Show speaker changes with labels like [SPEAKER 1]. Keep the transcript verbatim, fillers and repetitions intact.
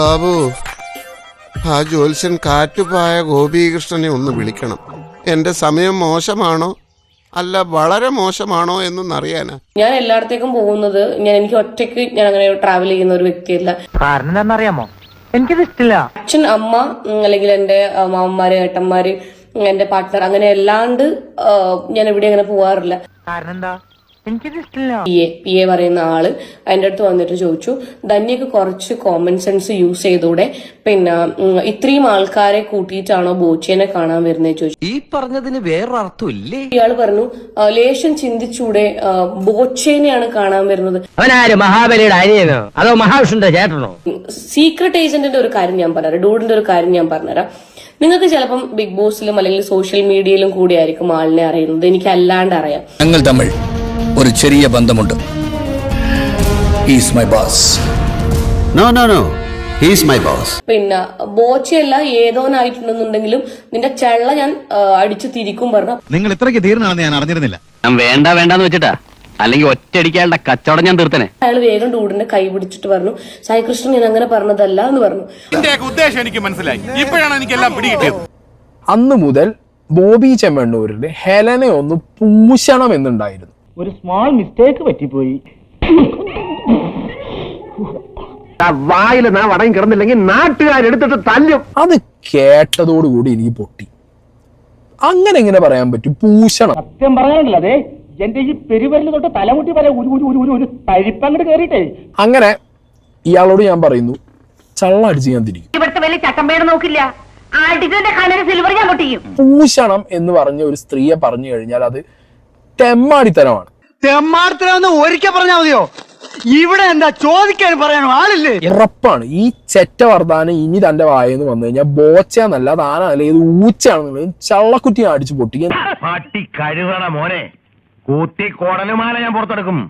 [SPEAKER 1] ബാബു, ആ ജ്യോത്സ്യൻ കാറ്റുപായ ഗോപീകൃഷ്ണനെ ഒന്ന് വിളിക്കണം. എന്റെ സമയം മോശമാണോ അല്ല വളരെ മോശമാണോ എന്നൊന്നറിയാനാ.
[SPEAKER 2] ഞാൻ എല്ലായിടത്തേക്കും പോകുന്നത് ഞാൻ എനിക്ക് ഒറ്റയ്ക്ക് ഞാൻ അങ്ങനെ ട്രാവൽ ചെയ്യുന്ന ഒരു വ്യക്തിയല്ല.
[SPEAKER 3] കാരണം എന്താണെന്നറിയാമോ, എനിക്കത് ഇഷ്ടമില്ല.
[SPEAKER 2] അച്ഛൻ, അമ്മ, അല്ലെങ്കിൽ എന്റെ മാമന്മാര്, ഏട്ടന്മാര്, എന്റെ പാർട്ട്ണർ, അങ്ങനെ അല്ലാണ്ട് ഞാൻ എവിടെ അങ്ങനെ പോവാറില്ല.
[SPEAKER 3] കാരണം എന്താ, എനിക്കത് ഇഷ്ടമില്ല.
[SPEAKER 2] പി എ പി എ പറയുന്ന ആള് എന്റെ അടുത്ത് വന്നിട്ട് ചോദിച്ചു, ധന്യക്ക് കുറച്ച് കോമൺ സെൻസ് യൂസ് ചെയ്തൂടെ, പിന്നെ ഇത്രയും ആൾക്കാരെ കൂട്ടിയിട്ടാണോ ബോച്ചേനെ കാണാൻ വരുന്നത് ചോദിച്ചു.
[SPEAKER 4] ഈ പറഞ്ഞതിന് വേറൊരർത്ഥം ഇല്ലേ?
[SPEAKER 2] ഇയാള് പറഞ്ഞു, ലേശം ചിന്തിച്ചൂടെ, ബോച്ചേനെയാണ് കാണാൻ വരുന്നത്.
[SPEAKER 3] അവനാര്, മഹാബലിയുടെ അനിയനോ അതോ മഹാവിഷ്ണുന്റെ ചേട്ടനോ?
[SPEAKER 2] സീക്രട്ട് ഏജന്റിന്റെ ഒരു കാര്യം ഞാൻ പറഞ്ഞുതരാം, ഡൂഡിന്റെ ഒരു കാര്യം ഞാൻ പറഞ്ഞുതരാം. നിങ്ങൾക്ക് ചിലപ്പം ബിഗ് ബോസിലും അല്ലെങ്കിൽ സോഷ്യൽ മീഡിയയിലും കൂടി ആയിരിക്കും ആളിനെ അറിയുന്നത്, എനിക്ക് അല്ലാണ്ട് അറിയാം.
[SPEAKER 5] ഞങ്ങൾ തമ്മിൽ ഒരു ചെറിയ ബന്ധമുണ്ട്. He's my boss.
[SPEAKER 6] No no no he's my boss.
[SPEAKER 2] പിന്നെ ബോച്ചയല്ല ഏതോനായിട്ടുണ്ടെന്നുണ്ടെങ്കിലും നിന്റെ ചെള്ള ഞാൻ അടിച്ചു തിരിക്കും പറഞ്ഞു.
[SPEAKER 7] നിങ്ങൾ ഇത്രയ്ക്ക് തീർന്നാണെന്ന് ഞാൻ അറിഞ്ഞിരുന്നില്ല.
[SPEAKER 4] ഞാൻ വേണ്ട വേണ്ടെന്ന് വെച്ചിട്ടാ, അല്ലെങ്കിൽ ഒറ്റയടിക്കാളുടെ കച്ചവടം ഞാൻ തീർത്തനെ.
[SPEAKER 2] അയാൾ വേഗം ഡൂഡിന്റെ കൈ പിടിച്ചിട്ട് പറഞ്ഞു, സായി കൃഷ്ണൻ ഞാൻ അങ്ങനെ പറഞ്ഞതല്ല എന്ന് പറഞ്ഞു.
[SPEAKER 7] ഉദ്ദേശം എനിക്ക് മനസ്സിലായി, ഇപ്പോഴാണ് എനിക്ക് എല്ലാം പിടികിട്ടിയത്.
[SPEAKER 8] അന്ന് മുതൽ ബോബി ചെമ്മണ്ണൂരിന് ഹെലനെ ഒന്ന് പൂശണം എന്നുണ്ടായിരുന്നു.
[SPEAKER 3] ഒരു സ്മോൾ മിസ്റ്റേക്ക് പറ്റിപ്പോയി. വായിൽ നാ വടങ്ങി കിടന്നില്ലെങ്കിൽ നാട്ടുകാരെടുത്തിട്ട് തല്ലും.
[SPEAKER 8] അത് കേട്ടതോടുകൂടി എനിക്ക് പൊട്ടി. അങ്ങനെ എങ്ങനെ പറയാൻ പറ്റും പൂശണം?
[SPEAKER 3] സത്യം പറയാനല്ല, അതെ എന്റെ ഈ പെരുവരല് തൊട്ട് തലമുട്ടി വരെ ഒരു ഒരു ഒരു ഒരു തരിപ്പങ്ങട് കയറിയിട്ടേ.
[SPEAKER 8] അങ്ങനെ ഇയാളോട് ഞാൻ പറയുന്നു, ചള്ള അടിച്ച് ഞാൻ തിരിക്കും.
[SPEAKER 9] ഇവിടുത്തെ വലിയ ചട്ടമ്പേട് നോക്കില്ല, സിൽവർ ഞാൻ പൊട്ടിക്കും.
[SPEAKER 8] പൂശണം എന്ന് പറഞ്ഞ ഒരു സ്ത്രീയെ പറഞ്ഞു കഴിഞ്ഞാൽ അത് തെമ്മാടിത്തരമാണ്.
[SPEAKER 3] തെമ്മാടത്തിലാന്ന് ഒരിക്കൽ പറഞ്ഞാൽ മതിയോ? ഇവിടെ എന്താ ചോദിക്കാൻ പറയാനോ ആളില്ലേ?
[SPEAKER 8] ഉറപ്പാണ് ഈ ചെറ്റ വർദ്ധാനം ഇനി തന്റെ വായെന്ന് വന്നു കഴിഞ്ഞാൽ ബോച്ചന്നല്ല താനല്ല ഇത് ഊച്ചാണെന്നുള്ളത് ചള്ളക്കുറ്റി അടിച്ചു പൊട്ടിക്കാൻ.
[SPEAKER 7] പട്ടി കഴുകണ മോനെ, കൂത്തി കോടലുമാല ഞാൻ പുറത്തെടുക്കും.